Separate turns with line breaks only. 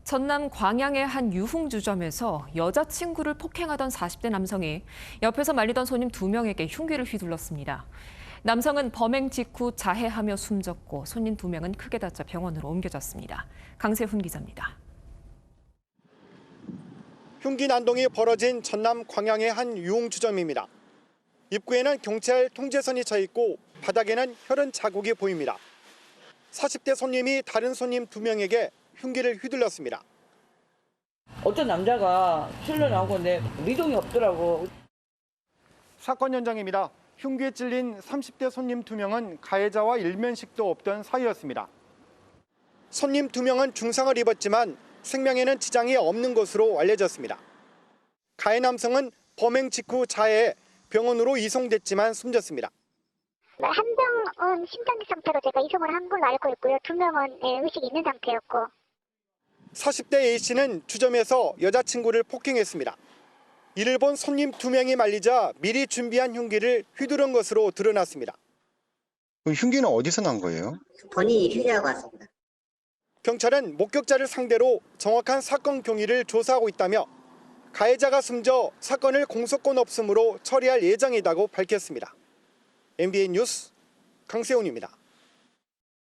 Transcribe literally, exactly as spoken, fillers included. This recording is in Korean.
전남 광양의 한 유흥주점에서 여자친구를 폭행하던 사십 대 남성이 옆에서 말리던 손님 두 명에게 흉기를 휘둘렀습니다. 남성은 범행 직후 자해하며 숨졌고 손님 두 명은 크게 다쳐 병원으로 옮겨졌습니다. 강세훈 기자입니다.
흉기 난동이 벌어진 전남 광양의 한 유흥주점입니다. 입구에는 경찰 통제선이 쳐 있고 바닥에는 혈흔 자국이 보입니다. 사십 대 손님이 다른 손님 두 명에게 흉기를 휘둘렀습니다.
어떤 남자가 튀어나오고 내 미동이 없더라고.
사건 현장입니다. 흉기에 찔린 삼십 대 손님 두 명은 가해자와 일면식도 없던 사이였습니다. 손님 두 명은 중상을 입었지만 생명에는 지장이 없는 것으로 알려졌습니다. 가해 남성은 범행 직후 자해해 병원으로 이송됐지만 숨졌습니다.
한 명은 심장기 상태로 제가 이송을 한 걸로 알고 있고요. 두 명은 의식이 있는 상태였고.
사십 대 A씨는 주점에서 여자친구를 폭행했습니다. 이를 본 손님 두 명이 말리자 미리 준비한 흉기를 휘두른 것으로 드러났습니다.
그럼 흉기는 어디서 난 거예요?
본인이 휴대하고 왔습니다.
경찰은 목격자를 상대로 정확한 사건 경위를 조사하고 있다며 가해자가 숨져 사건을 공소권 없음으로 처리할 예정이라고 밝혔습니다. 엠비엔 뉴스 강세훈입니다.